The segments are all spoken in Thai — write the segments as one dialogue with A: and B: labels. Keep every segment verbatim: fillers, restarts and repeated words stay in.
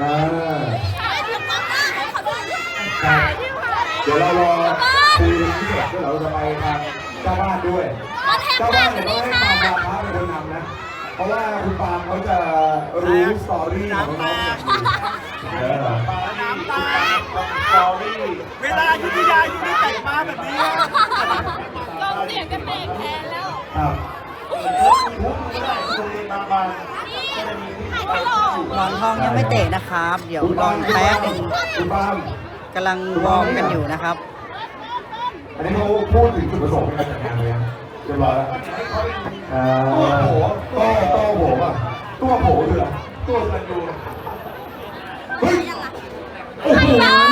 A: อ่าครับเดี๋ยวเรารอคุยที่เสร็จแล้วเราจะไปทางเจ้าบ้านด้วยเจ้าบ้านเนี่ยต้องให้ปาล์มวาพระเป็นคนนำนะเพราะว่าคุณปาล์มเขาจะรู้สตอรี่ของน้องๆเนี่ย
B: น้ำตาสตอรี่เวลายุทธยาอยู่ในแต่งมาแบบนี้
C: ลงเสียงกันเบรกแทนแล้ว
A: ครับ
D: หมอนทองยังไม่เตะนะครับ เดี๋ยวรออีกแป๊บนึงกำลังวอร์มกันอยู่นะครับ
A: อันนี้เขาพูดถึงจุดประสงค์ในการจัดงานเลยเรียบร้อยแล้วตัวโผล่ตัวตัวโผล่ป่ะตัวโผล่คืออะไรตัวสันดูเฮ้ยโอ้โห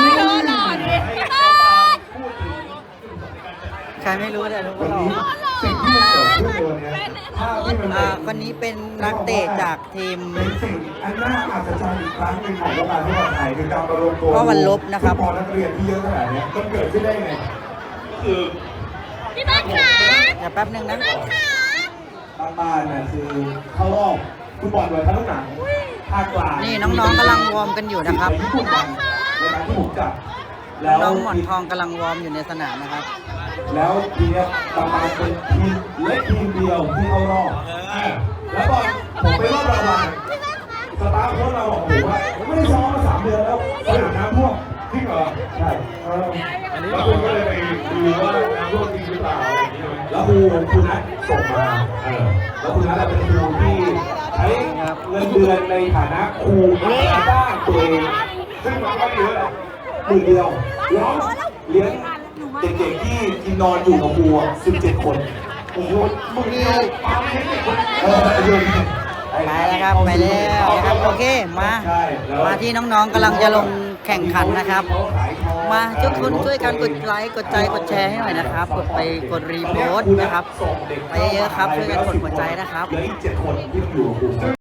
D: ใครไม่รู้แต่รู้ว่าเรา
A: สิ่งที่มันเกิดขึ้นตัวเนี้ยภาพที่มัน
D: อ่าคนนี้เป็นนักเตะจากทีม
A: เป็นสิ่งอันน่าอัศจรรย์อีกครั้งหนึ่งของวงการฟุตบอลไทยคือการประรวมตัว
D: ก็วันลบนะครับ
A: ฟุตบอลนักเรียนที่เยอะขนาดนี้มันเกิดขึ้นได้ไงคือ
C: พี่บ้านขา
D: เดี๋ยวแป๊บนึงนะ
A: บางบ้านน่ะคือเข้ารอบฟุตบอลโดยทั้งหนังภาคกลาง
D: นี่น้องๆกำลังวอร์มกันอยู่นะครับ
A: ในการที่ผมจับ
D: น้องหมอนทองกำลังวอร์มอยู่ในสนามนะครับ
A: แล้วทีนี้ประมาณเป็นทีมเล็กทีมเดียวที่เข้ารอบแล้วก็ผมไปรอบรางวัลสตาร์โค้ชเราบอกผมว่าผมไม่ได้ซ้อมมาสามเดือนแล้วสนามน้ำท่วมจริงเหรอใช่แล้วคุณก็เลยไปดูว่าน้ำท่วมจริงหรือเปล่าอะไรอย่างเงี้ยแล้วครูคุณนัทส่งมาเออแล้วคุณนัทเป็นครูที่ใช้เงินเดือนในฐานะครูจ้างตัวเองซึ่งมันก็เยอะหมื่นเดียวแล้วเลี้ยงเด็กๆที่กินนอนอยู่กับครูสิบเจ็ดคนโอ้โหมึงเดียวปาเลี้ยงเด็กคนเออไป
D: แล้วครับไปแล้วนะครับโอเคมามาที่น้องๆกำลังจะลงแข่งขันนะครับมาทุกคนช่วยกันกดไลค์กดใจกดแชร์ให้หน่อยนะครับกดไปกดรีโพสต์นะครับไปเยอะๆครับช่วยกันกดหัวใจนะครับ